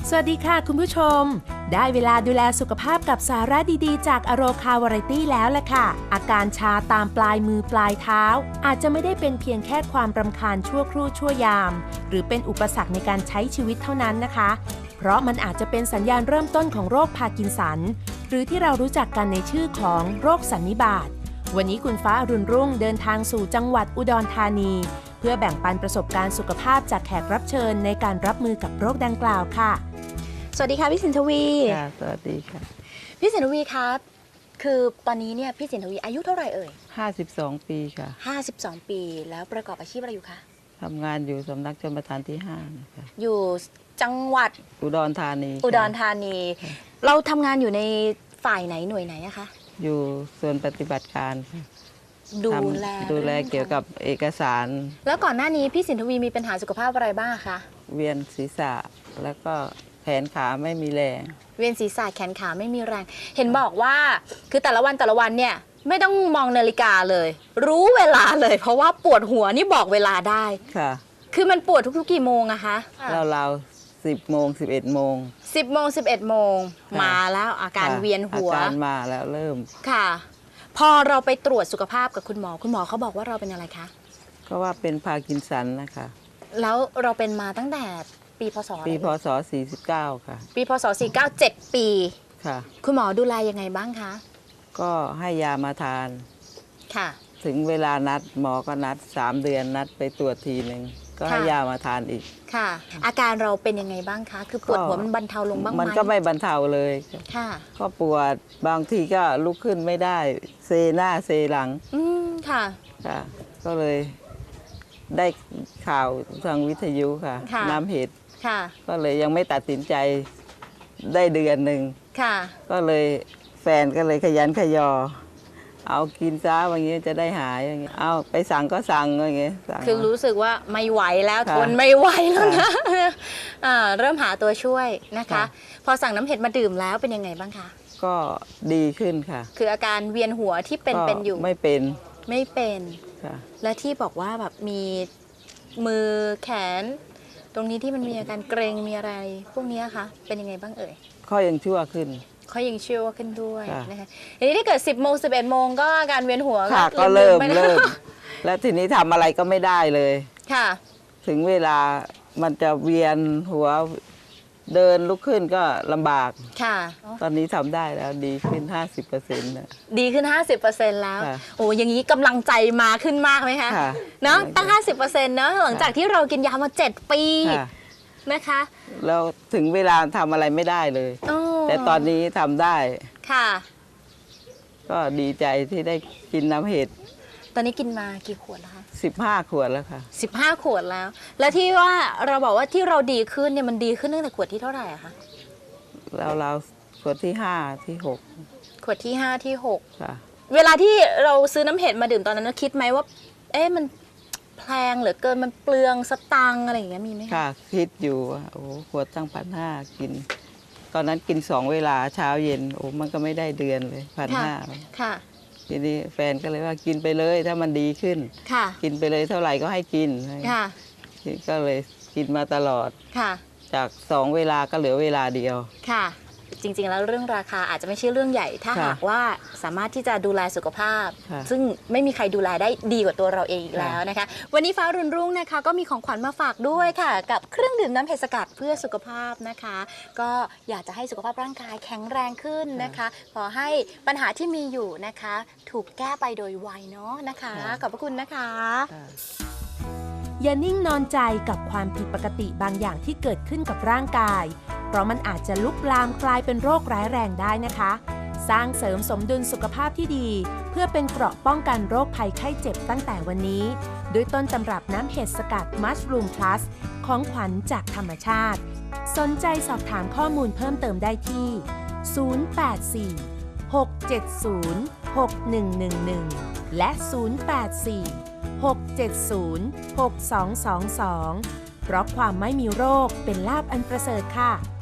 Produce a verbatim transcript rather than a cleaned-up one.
สวัสดีค่ะคุณผู้ชมได้เวลาดูแลสุขภาพกับสาระดีๆจากอโรคาวาไรตี้แล้วล่ะค่ะอาการชาตามปลายมือปลายเท้าอาจจะไม่ได้เป็นเพียงแค่ความรำคาญชั่วครู่ชั่วยามหรือเป็นอุปสรรคในการใช้ชีวิตเท่านั้นนะคะเพราะมันอาจจะเป็นสัญญาณเริ่มต้นของโรคพาร์กินสันหรือที่เรารู้จักกันในชื่อของโรคสันนิบาตวันนี้คุณฟ้าอรุณรุ่งเดินทางสู่จังหวัดอุดรธานีเพื่อแบ่งปันประสบการณ์สุขภาพจากแขกรับเชิญในการรับมือกับโรคดังกล่าวค่ะสวัสดีค่ะพี่สินทวีค่ะสวัสดีค่ะพี่สินทวีครับคือตอนนี้เนี่ยพี่สินทวีอายุเท่าไหร่เอ่ยห้าสิบสองปีค่ะห้าสิบสองปีแล้วประกอบอาชีพอะไรอยู่คะทำงานอยู่สำนักชลประทานที่ห้านะคะอยู่จังหวัดอุดรธานีอุดรธานีเราทำงานอยู่ในฝ่ายไหนหน่วยไหนอะคะอยู่ส่วนปฏิบัติการค่ะดูแลดูแลเกี่ยวกับเอกสารแล้วก่อนหน้านี้พี่สินทวีมีปัญหาสุขภาพอะไรบ้างคะเวียนศีรษะแล้วก็แขนขาไม่มีแรงเวียนศีรษะแขนขาไม่มีแรงเห็นบอกว่าคือแต่ละวันแต่ละวันเนี่ยไม่ต้องมองนาฬิกาเลยรู้เวลาเลยเพราะว่าปวดหัวนี่บอกเวลาได้ค่ะคือมันปวดทุกๆกี่โมงอะคะเราๆสิบโมงสิบเอ็ดโมงสิบโมงสิบเอ็ดโมงมาแล้วอาการเวียนหัวอาการมาแล้วเริ่มค่ะพอเราไปตรวจสุขภาพกับคุณหมอคุณหมอเขาบอกว่าเราเป็นอะไรคะก็ว่าเป็นพาร์กินสันนะคะแล้วเราเป็นมาตั้งแต่ปีพศปีพศสี่สิบเก้าค่ะปีพศสี่สิบเก้า เจ็ดปีค่ะคุณหมอดูแลยังไงบ้างคะก็ให้ยามาทานค่ะถึงเวลานัดหมอก็นัดสามเดือนนัดไปตรวจทีหนึ่งก็ให้ยามาทานอีกค่ะอาการเราเป็นยังไงบ้างคะคือปวดหัวมันบรรเทาลงบ้างไหมมันก็ไม่บรรเทาเลยค่ะก็ปวดบางทีก็ลุกขึ้นไม่ได้เซหน้าเซหลังอืมค่ะค่ะก็เลยได้ข่าวทางวิทยุค่ะน้ำเห็ดค่ะก็เลยยังไม่ตัดสินใจได้เดือนหนึ่งค่ะก็เลยแฟนก็เลยขยันขยอเอากินซะอย่างเงี้ยจะได้หายอย่างเงี้ยเอาไปสั่งก็สั่งอย่างเงี้ยคือรู้สึกว่าไม่ไหวแล้วทนไม่ไหวแล้วนะเริ่มหาตัวช่วยนะคะพอสั่งน้ำเห็ดมาดื่มแล้วเป็นยังไงบ้างคะก็ดีขึ้นค่ะคืออาการเวียนหัวที่เป็นเป็นอยู่ไม่เป็นไม่เป็นค่ะและที่บอกว่าแบบมีมือแขนตรงนี้ที่มันมีอาการเกร็งมีอะไรพวกนี้คะเป็นยังไงบ้างเอ่ยข้อยังชั่วขึ้นเขายังเชื่อว่าขึ้นด้วยนะคะทีนี้ถ้าเกิดสิบโมงสิบเอ็ดโมงก็อาการเวียนหัวก็เริ่มเริ่มแล้วทีนี้ทำอะไรก็ไม่ได้เลยค่ะถึงเวลามันจะเวียนหัวเดินลุกขึ้นก็ลำบากค่ะตอนนี้ทำได้แล้วดีขึ้น ห้าสิบเปอร์เซ็นต์ นะดีขึ้น ห้าสิบเปอร์เซ็นต์ แล้วโอ้อย่างนี้กำลังใจมาขึ้นมากไหมคะเนาะตั้ง ห้าสิบเปอร์เซ็นต์ เนาะหลังจากที่เรากินยามาเจ็ดปีนะคะแล้วถึงเวลาทำอะไรไม่ได้เลยแต่ตอนนี้ทำได้ค่ะก็ดีใจที่ได้กินน้ำเห็ดตอนนี้กินมากี่ขวดแล้วคะสิบห้าขวดแล้วค่ะสิบห้าขวดแล้วแล้วที่ว่าเราบอกว่าที่เราดีขึ้นเนี่ยมันดีขึ้นตั้งแต่ขวดที่เท่าไหร่อะคะเราเราขวดที่ห้าที่หกขวดที่ห้าที่หกค่ะเวลาที่เราซื้อน้ำเห็ดมาดื่มตอนนั้นคิดไหมว่าเอ๊ะมันแพงเหลือเกินมันเปลืองสตังอะไรอย่างเงี้ยมีไหมค่ะคิดอยู่ว่าโอ้ขวดตั้งพันห้ากินตอนนั้นกินสองเวลาเช้าเย็นโอ้มันก็ไม่ได้เดือนเลยพันห้าค่ะทีนี้แฟนก็เลยว่ากินไปเลยถ้ามันดีขึ้นค่ะกินไปเลยเท่าไหร่ก็ให้กินค่ะก็เลยกินมาตลอดค่ะจากสองเวลาก็เหลือเวลาเดียวค่ะจริงๆแล้วเรื่องราคาอาจจะไม่ใช่เรื่องใหญ่ถ้าหากว่าสามารถที่จะดูแลสุขภาพซึ่งไม่มีใครดูแลได้ดีกว่าตัวเราเองอีกแล้วนะคะวันนี้ฟ้ารุ่นรุ่งนะคะก็มีของขวัญมาฝากด้วยค่ะกับเครื่องดื่มน้ำเห็ดสกัดเพื่อสุขภาพนะคะก็อยากจะให้สุขภาพร่างกายแข็งแรงขึ้นนะคะขอให้ปัญหาที่มีอยู่นะคะถูกแก้ไปโดยไวเนาะนะคะขอบพระคุณนะคะอย่านิ่งนอนใจกับความผิดปกติบางอย่างที่เกิดขึ้นกับร่างกายเพราะมันอาจจะลุกลามกลายเป็นโรคร้ายแรงได้นะคะสร้างเสริมสมดุลสุขภาพที่ดีเพื่อเป็นเกราะป้องกันโรคภัยไข้เจ็บตั้งแต่วันนี้ด้วยต้นตำรับน้ำเห็ดสกัดมัชรูมพลัสของขวัญจากธรรมชาติสนใจสอบถามข้อมูลเพิ่มเติมได้ที่ศูนย์ แปด สี่ หก เจ็ด ศูนย์ หก หนึ่ง หนึ่ง หนึ่งและศูนย์ แปด สี่ หก เจ็ด ศูนย์ หก สอง สอง สองเพราะความไม่มีโรคเป็นลาภอันประเสริฐค่ะ